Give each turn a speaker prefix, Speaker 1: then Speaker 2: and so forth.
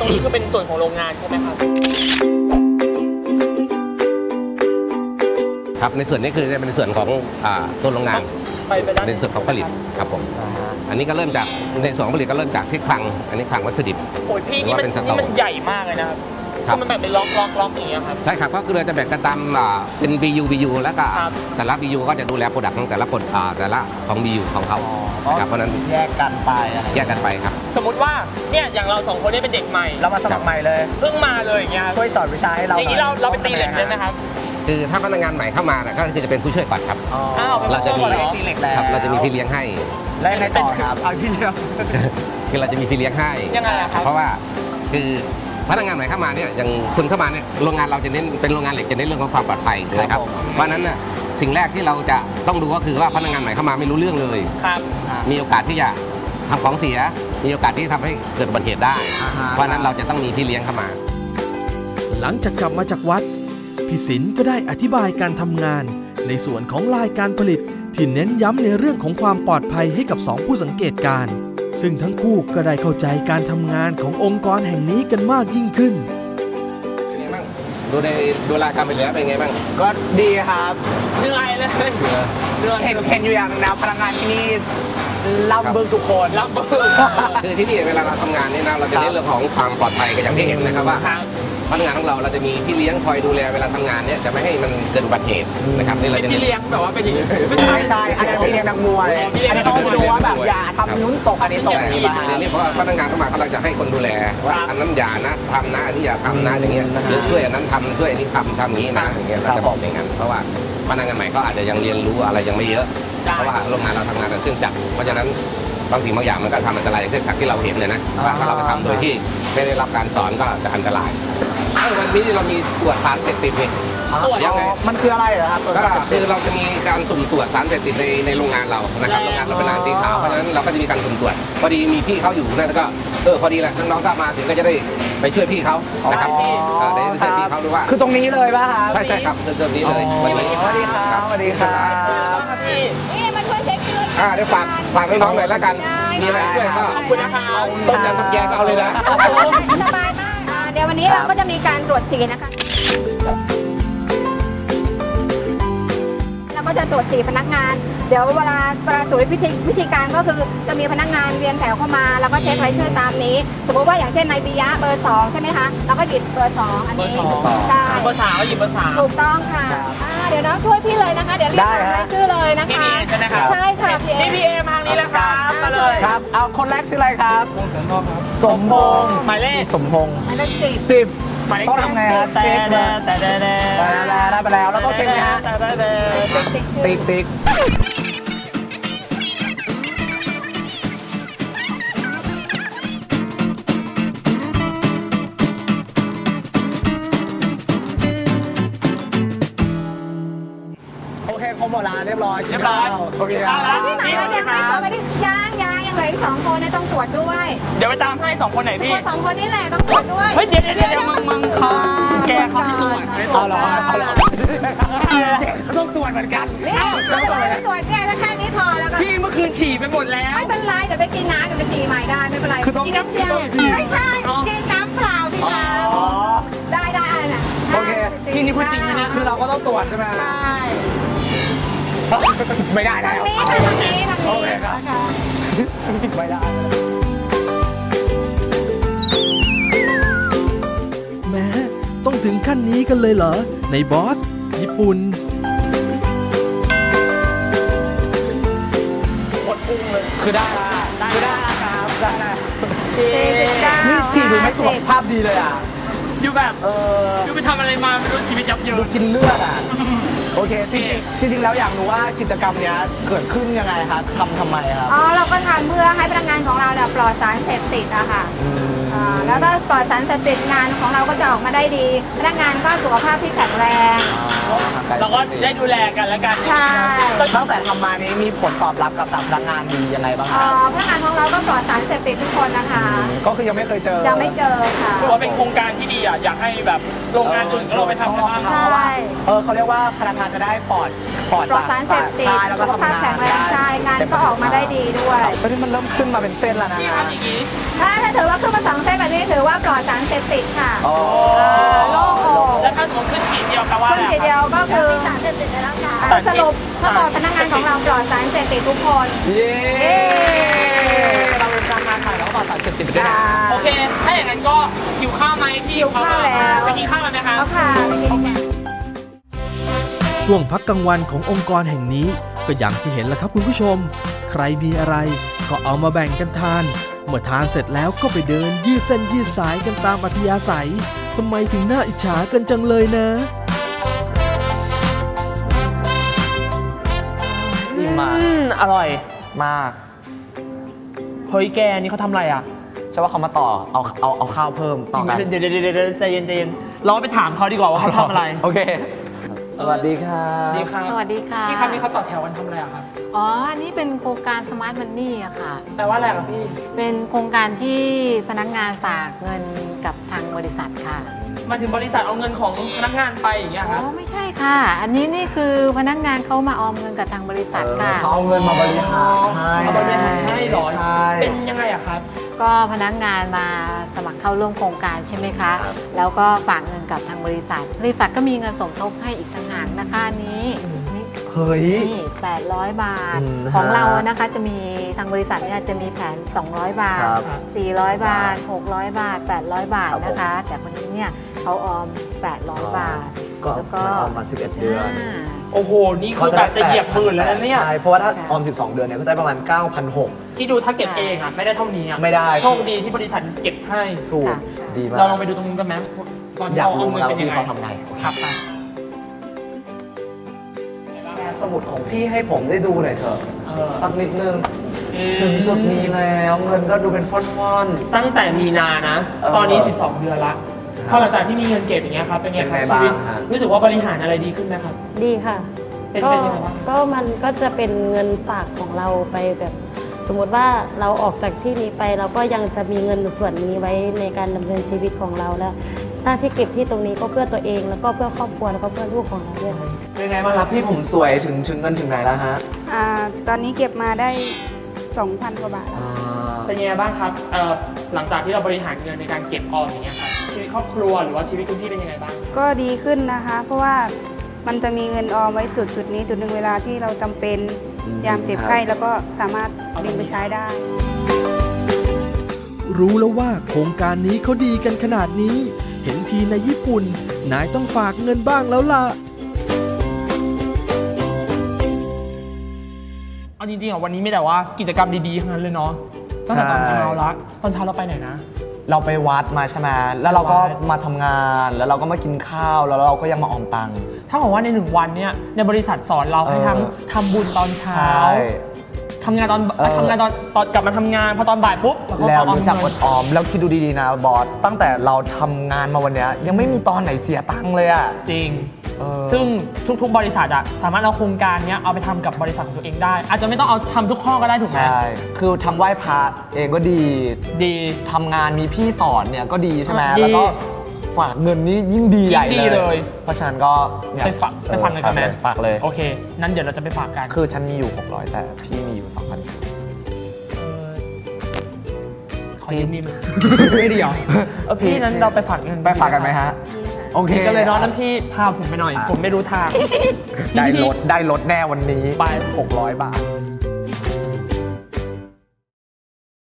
Speaker 1: นี้คือเป็นส่วนของโรงงานใช่ไหมครับ
Speaker 2: ครับในส่วนนี้คือจะเป็นส่วนของตัวโรงงานในส่วนของผลิตครับผมอันนี้ก็เริ่มจากในส่วนของผลิตก็เริ่มจากที่คลังอันนี้คลังวัตถุดิบ
Speaker 1: โอ้ยพี่นี่มันใหญ่มากเลยนะครับมันแบบเป็นล็อกอย่างเงี้ยครับ
Speaker 2: ใช่ครับก็คือเราจะแบ่งกันตามเป็น BU แล้วก็แต่ละ BU ก็จะดูแลโปรดักต์ของแต่ละของ BU ของเขาครับเพราะนั้น
Speaker 3: แยกกันไป
Speaker 2: ครับ
Speaker 1: สมมติว่าเนี่ยอย่างเรา2คนนี้เป็นเด็กใหม่
Speaker 3: เรามาสมัครใหม่เลย
Speaker 1: เพิ่งมาเลยอย่างเงี้ย
Speaker 3: ช่วยสอนวิชาให้เรา
Speaker 1: อย่างนี้เราไปตีเหล็กได้ไหมครับ
Speaker 2: คือถ้าพนักงานใหม่เข้ามาก็คือจะเป็นผู้ช่วยก่อนครับ
Speaker 1: เราจะมี
Speaker 3: ตีเหล็กแล้ว
Speaker 2: เราจะมีพี่เลี้ยงให้
Speaker 3: แล้วยังไงต่อครับ
Speaker 1: พี่เลี้ยง
Speaker 2: คือเราจะมีพี่เลี้ยงให้
Speaker 1: ยังไงครับ
Speaker 2: เพราะว่าคือพนักงานใหม่เข้ามาเนี่ยอย่างคุณเข้ามาเนี่ยโรงงานเราจะเน้นเป็นโรงงานเหล็กจะเน้นเรื่องของความปลอดภัยนะครับเพราะนั้นน่ะสิ่งแรกที่เราจะต้องดูก็คือว่าพนักงานใหม่เข้ามาไม่รู้เรื่องเลยมีโอกาสที่จะทำของเสียมีโอกาสที่ทำให้เกิดอุบัติเหตุได้เพราะนั้นเราจะต้องมีพี่เลี้ยงเข้ามา
Speaker 4: หลังจากกลับมาจากวัดพี่ศิลป์ก็ได้อธิบายการทำงานในส่วนของลายการผลิตที่เน้นย้ำในเรื่องของความปลอดภัยให้กับ2ผู้สังเกตการณ์ซึ่งทั้งคู่ก็ได้เข้าใจการทำงานขององค์กรแห่งนี้กันมากยิ่งขึ้น
Speaker 2: ดูรายการไปแล้วเป็นไงบ้าง
Speaker 3: ก็ดีครับ
Speaker 1: เหนื่อยเลย
Speaker 3: เห็นอยู่อย่างนะพนักงานที่นี่ลำบึกทุกคน
Speaker 1: ลำบึก
Speaker 2: คือที่นี่เวลาเราทำงานนี่นะเราจะเน้นเรื่องของความปลอดภัยกันอย่างที่เห็นนะครับว่าพนักงานของเราจะมีพี่เลี้ยงคอยดูแลเวลาทำงานเนี่ยจะไม่ให้มันเกิดอุบัติเหตุนะครับนี่เราจะ
Speaker 1: พี่เลี้ยงแบบว่าเป็นอย่างนี้
Speaker 3: ใช่อันนี้พี่เลี้ยงนักมวยอันนี้ต้องจะดูว่าแบบอย่าทำนุ้นตกอันนี้ตก
Speaker 2: นี่เพราะพนักงานเข้ามาเขาจะให้คนดูแลว่าอันนั้นอย่านะทำนะอันนี้อย่าทำนะอย่างเงี้ยหรือช่วยอันนั้นทำช่วยอันนี้ทำอย่างนี้นะอย่างเงี้ยเราจะบอกอย่างนั้นเพราะว่าพนักงานใหม่ก็อาจจะยังเรียนรู้อะไรยังไม่เยอะเพราะว่าโรงงานเราทำงานเป็นเครื่องจักรเพราะฉะนั้นบางสิ่งบางอย่างมันก็ทำอันตรายอย่างเช่นที่เราเห็นเลยนะว่าถ้าเราไปทำโดยที่ไม่ได้รับการสอนก็จะอันตรายวันนี้เรามีตรวจสารเสพติดนี่
Speaker 3: ยังไงมันคืออะไรเหรอครับ
Speaker 2: ก็คือเราจะมีการสุ่มตรวจสารเสพติดในโรงงานเรานะครับโรงงานเราเป็นร้านสีขาวเพราะฉะนั้นเราก็จะมีการสุ่มตรวจพอดีมีพี่เขาอยู่นั่นก็พอดีแหละน้องๆก็มาถึงก็จะได้ไปช่วยพี่เขานะครับได้ช่วยพี่เขาดูว่า
Speaker 3: คือตรงนี้เลยป่ะครับ
Speaker 2: ใช่ครับตรงนี้เลย
Speaker 3: สวัสดีครับสวัสดีครับ
Speaker 5: นี่มาช่วยเช็คชื่อ
Speaker 2: เดี๋ยวฝากน้องๆหน่อยแล้วกันมีอะไรช่วยก็
Speaker 1: ขอบคุณนะครับ
Speaker 2: ต้มยำต้มแกงก็เอาเลยนะ
Speaker 5: สบายมากเดี๋ยววันนี้เราก็จะมีการตรวจฉี่นะคะเราก็จะตรวจฉี่พนักงานเดี๋ยวเวลาตรวจวิธีการก็คือจะมีพนักงานเรียงแถวเข้ามาแล้วก็เช็ครายชื่อตามนี้สมมติว่าอย่างเช่นนายปิยะเบอร์2ใช่ไหมคะเราก็หยิบเบอร์2อันนี้
Speaker 1: ใช่เบอร์3ก็หยิบเบอร์3
Speaker 5: ถูกต้องค่ะเดี๋ยวน้องช่วยพี่เลยนะคะเดี๋ยวเรียกตามรายชื่อเลยนะคะ
Speaker 1: ใช่ไหมครับ
Speaker 5: ใช่ค่ะ
Speaker 1: พี่เอมาทางนี้แล้วครับมาเลย
Speaker 3: ครับเอาคนแรกชื่ออะไรครับสมพงษ์
Speaker 1: หมายเลข
Speaker 3: สมพงษ์
Speaker 5: หมายเลข
Speaker 3: 10ต้องทำไงครับเช็คเลยได้ไปแล้วเราต้องเช็คไหมฮะติ๊กโอเคครบหมดแล้วเรียบร้อยโอเคครับ
Speaker 5: ที่ไหนยังไม่ได้ยังเหลืออีก2คนต้องตรวจด้วย
Speaker 1: เดี๋ยวไปตามให้2คนไหนพี่
Speaker 5: 2คนนี้แหละต้องตรวจด้วย
Speaker 1: เฮ้ยเดี๋ยวมึงเขาแกเขาไม่ตรวจ
Speaker 3: เอาหรอ
Speaker 1: ต้องตรวจเหมือนกัน
Speaker 5: ต้องตรวจเนี่ยถ้าแค่นี้พอแล้วก็
Speaker 1: พี่เมื่อคืนฉี่ไปหมดแล้ว
Speaker 5: ไม่เป็นไรเดี๋ยวไปกินน้ำเดี๋ยวไปฉี่ใหม่ได้ไม่เป็นไร
Speaker 3: คือต้อง
Speaker 5: กินน้ำเชี่ยวไม่ใช่กินน้ำเปล่าสิคะได้อะไรน่ะ
Speaker 3: โอเค
Speaker 1: นี่พูดจริงนะ
Speaker 3: คือเราก็ต้องตรวจใช่ไหม
Speaker 5: ใช่
Speaker 3: ไม่ได้นะ
Speaker 5: ทางนี้
Speaker 3: โอเคครับไม่ได้
Speaker 4: แม้ต้องถึงขั้นนี้กันเลยเหรอในบอสญี่ปุ่น
Speaker 1: หมดพุงเลยคือได้ครับได้
Speaker 3: นี่ฉี่ดูไม่สุขภาพดีเลยอ่ะ
Speaker 1: อยู่แบบอยู่ไปทำอะไรมาไม่รู้ชีวิตยับเยิน
Speaker 3: ดูกินเลือดอ่ะโอเคจริงแล้วอยากรู้ว่ากิจกรรมนี้เกิดขึ้นยังไงครับทำไมครับ
Speaker 5: เราก็ทำเพื่อให้พนักงานของเราปลอดสารเสพติดอะค่ะแล้วก็ปลอดสารเสพติดงานของเราก็จะออกมาได้ดีพนักงานก็สุขภาพที่แข็งแรง
Speaker 1: เราก็ได้ดูแลกันและกัน
Speaker 5: ใช่
Speaker 3: ตั้งแต่ทำมานี้มีผลตอบรับกับพนักงานดียังไงบ้างครับ
Speaker 5: พนักงานของเราก็ปลอดสารเสพติดทุกคนนะคะ
Speaker 3: ก็คือยังไม่เคยเจอ
Speaker 5: ยังไม่เจอค่ะ
Speaker 1: ถือว่าเป็นโครงการที่ดีอ่ะอยากให้แบบโรงงานอื่นก็ลองไปทำกันบ้าง
Speaker 5: ใช่
Speaker 3: เขาเรียกว่าพนักงานจะได้ปลอด
Speaker 5: ปลอดสารเสพติด
Speaker 3: ใช่แล้วก็
Speaker 5: สุข
Speaker 3: ทำ
Speaker 5: ภาพ
Speaker 3: งาน
Speaker 5: แข็งแรงใช่งานก็ออกมาได้ดีด้วย
Speaker 3: ตอนนี้มันเริ่มขึ้นมาเป็นเส้นแล้วนะ
Speaker 1: พี่ทำอย่างนี้
Speaker 5: ถ้าถือว่าขึ้นมา2 เส้นแบบนี้ถือว่าปลอดสารเสพติดค่ะ
Speaker 3: อ๋อ
Speaker 5: โล่งอก
Speaker 1: แล้วถ้าสมมติขึ้นขีดเดียวแปลว่า
Speaker 5: ขึ้
Speaker 1: อะ
Speaker 5: น
Speaker 1: ไร
Speaker 5: ทีเดียวก็คือ
Speaker 6: สารเสพติดในร่างกาย
Speaker 5: สรุปถ้าบอกพนักงานของเราปลอดสารเสพติดทุกคน
Speaker 3: เย้เราเป็นการงานถ่ายแล้วก็ต่อสารเสพติดไปด้วยนะ
Speaker 1: โอเค ถ้าอย่างนั้นก็หิวข้าวไหมพี่
Speaker 5: หิวข้าวแล้ว
Speaker 1: ไปกินข้าวกันไหมคะ
Speaker 5: แล้วค่ะ
Speaker 4: ช่วงพักกลางวันขององค์กรแห่งนี้ก็อย่างที่เห็นแหละครับคุณผู้ชม ใครมีอะไรก็เอามาแบ่งกันทาน เมื่อทานเสร็จแล้วก็ไปเดินยืดเส้นยืดสายกันตามอัธยาศัยทำไมถึงน่าอิจฉากันจังเลยนะ
Speaker 3: อิ่มมาก
Speaker 1: อร่อย
Speaker 3: มาก
Speaker 1: เฮ้ยแกนี่เขาทำอะไรอ่ะ
Speaker 3: ใช่ว่าเขามาต่อเอาข้าวเพิ่ม
Speaker 1: จ
Speaker 3: ต่
Speaker 1: ริ
Speaker 3: อง
Speaker 1: ไหม
Speaker 3: กัน
Speaker 1: เดี๋ยวใจเย็นเราไปถามเขาดีกว่าว่าเขาทำอะไร
Speaker 3: โอเค สวัสดีครับ
Speaker 1: ดีครับ
Speaker 6: สวัสดีค่ะ
Speaker 1: พี่ครับนี่เขาต่อแถวกันทำอะไรอะครับ
Speaker 6: อ๋อ อันนี้เป็นโครงการสมาร์ทมันนี่อะค่ะ
Speaker 1: แปลว่าอะไรครับพี่
Speaker 6: เป็นโครงการที่พนักงานฝากเงินกับทางบริษัทค่ะ
Speaker 1: มาถึงบริษัทเอาเงินของพนักงานไปอย่างเงี้ย
Speaker 6: อ๋
Speaker 1: ครับ
Speaker 6: อ ไม่ใช่ค่ะ อันนี้นี่คือพนักงานเขามาออมเงินกับทางบริษัทค่ะ
Speaker 3: เขาเอาเงินมาบริหารให้
Speaker 1: เอาบริหารให้เหรอ
Speaker 3: ใช่
Speaker 1: เป็นยังไงอะครับ
Speaker 6: ก็พนักงานมาสมัครเข้าร่วมโครงการใช่ไหมคะ
Speaker 3: ครับ
Speaker 6: แล้วก็ฝากเงินกับทางบริษัท บริษัทก็มีเงินสมทบให้อีกต่างหากนะคะอันนี้นี่
Speaker 3: เฮ้ย
Speaker 6: นี่800 บาท
Speaker 3: อืม
Speaker 6: ของเรานะคะจะมีทางบริษัทเนี่ยจะมีแผน 200 บาท
Speaker 3: ครับ
Speaker 6: 400 บาท 600 บาท 800 บาทนะคะ แต่คนนี้เนี่ยเขาออม 800 บาท
Speaker 3: ก็
Speaker 6: แล้ว
Speaker 3: มันออมมา11 เดือน
Speaker 6: า
Speaker 1: โอ้โห นี่คือแบบจะเหยียบหมื่นแล้วนะเนี่ย
Speaker 3: ใช่ เพราะว่าถ้าออม 12 เดือนเนี่ยก็ได้ประมาณ 9,600
Speaker 1: ที่ดูถ้าเก็บเองอะไม่ได้เท่านี้อะ
Speaker 3: ไม่ได้
Speaker 1: โชคดีที่บริษัทเก็บให้
Speaker 3: ถูก
Speaker 6: ค่ะ
Speaker 3: ดีมาก
Speaker 1: เราลองไปดูตรงนู้นกันไหมก่อน
Speaker 3: อยาก
Speaker 1: เอา
Speaker 3: รู้
Speaker 1: เงิน
Speaker 3: แล้ว
Speaker 1: เป็นยั
Speaker 3: ที่
Speaker 1: งไง
Speaker 3: เขาทำไง
Speaker 1: ครับไป
Speaker 3: แชร์สมุดของพี่ให้ผมได้ดูหน่อยเถอะ สักนิดนึง
Speaker 1: อืม
Speaker 3: ถึงจุดนี้แล้วเงินก็ดูเป็นฟ่อน
Speaker 1: ตั้งแต่มีนานะ
Speaker 3: เออ
Speaker 1: ตอนนี้ 12 เดือนละ
Speaker 3: ครับ
Speaker 1: พอหลังจากที่มีเงินเก็บอย่างเงี้ยครับ เป็นไงครับ
Speaker 3: เป็นไง
Speaker 1: ชีวิต
Speaker 3: บ้างฮะ
Speaker 1: รู้สึกว่าบริหารอะไรดีขึ้นไหมครับ
Speaker 7: ดีค่ะ
Speaker 1: เป็น
Speaker 7: ก็
Speaker 1: ยังไงบ้าง
Speaker 7: ก็มันก็จะเป็นเงินฝากของเราไปแบบ สมมติว่าเราออกจากที่นี้ไป เราก็ยังจะมีเงินส่วนนี้ไว้ในการดำเนินชีวิตของเราแล้วหน้าที่เก็บที่ตรงนี้ก็เพื่อตัวเองแล้วก็เพื่อครอบครัวแล้วก็เพื่อลูกของเราด้วยค่ะ
Speaker 3: ๆเป็นไงบ้างครับพี่ผมสวยถึงเงินถึงไหนแล้วฮะ
Speaker 5: ตอนนี้เก็บมาได้ 2,000 กว่าบาทแล้ว
Speaker 1: เป็นยังไงบ้างครับหลังจากที่เราบริหารเงินในการเก็บออมอย่างเงี้ยครับ ชีวิตครอบครัวหรือว่าชีวิตคุณพี่เป็นยังไงบ้าง
Speaker 8: ก็ดีขึ้นนะคะ เพราะว่ามันจะมีเงินออมไว้จุดนี้จุดหนึ่งเวลาที่เราจำเป็น
Speaker 3: อืม
Speaker 8: ยามเจ็บไข้แล้วก็สามารถดึงไปใช้ได้
Speaker 4: รู้แล้วว่าโครงการนี้เขาดีกันขนาดนี้ เห็นทีในญี่ปุ่น นายต้องฝากเงินบ้างแล้วล่ะ
Speaker 1: เอาจริงๆอ่ะวันนี้ไม่แต่ว่ากิจกรรมดีๆทั้งนั้นเลยเนาะตั้งแต่ตอนเช้าละตอนเช้าเราไปไหนนะ
Speaker 3: เราไปวัดมาใช่ไหมแล้วเราก็
Speaker 1: วัด
Speaker 3: มาทำงาน แล้วเราก็มากินข้าว แล้วเราก็ยังมาออมตังค์
Speaker 1: ถ้าบอกว่าใน1 วันเนี่ยในบริษัทสอนเราให้ทั้งทำบุญตอนเช้า ทำงานตอนกลับมาทำงานพอตอนบ่ายปุ๊บเราก็
Speaker 3: แล้ว
Speaker 1: ออม
Speaker 3: รู้จักอ
Speaker 1: เงิ
Speaker 3: ด
Speaker 1: น
Speaker 3: ออม แล้วคิดดูดีๆนะบอส ตั้งแต่เราทำงานมาวันเนี้ยยังไม่มีตอนไหนเสียตังค์เลยอ่ะ
Speaker 1: จริง
Speaker 3: เออ
Speaker 1: ซึ่งทุกๆบริษัทอะสามารถเอาโครงการเนี้ยเอาไปทำกับบริษัทของตัวเองได้ อาจจะไม่ต้องเอาทำทุกข้อก็ได้ถูกไหม
Speaker 3: ใช่ คือทำไหว้พระเองก็ดี
Speaker 1: ดี
Speaker 3: ทำงานมีพี่สอนเนี่ยก็ดีใช่ไหม
Speaker 1: ดี
Speaker 3: แล้วก็ฝากเงินนี้ยิ่งดีใหญ่
Speaker 1: ยิ่งดีเลย
Speaker 3: เพราะฉะนั้นก็อยาก
Speaker 1: ไปฟังกันกันไหม
Speaker 3: ฝากเลย
Speaker 1: โอเค นั้นเดี๋ยวเราจะไปฝากกัน
Speaker 3: คือฉันมีอยู่ 600 แต่พี่มีอยู่ 2,400
Speaker 1: ขอยืมนี่มั้ยไม่ดีเหรอพี่นั้นเราไปฝากเงิน
Speaker 3: ไปฝากกันไหมฮะ โอเค
Speaker 1: ก็เลยเนาะนั้นพี่พาผมไปหน่อย ผมไม่รู้ทาง
Speaker 3: ได้รถแน่วันนี้
Speaker 1: ไป
Speaker 3: 600 บาท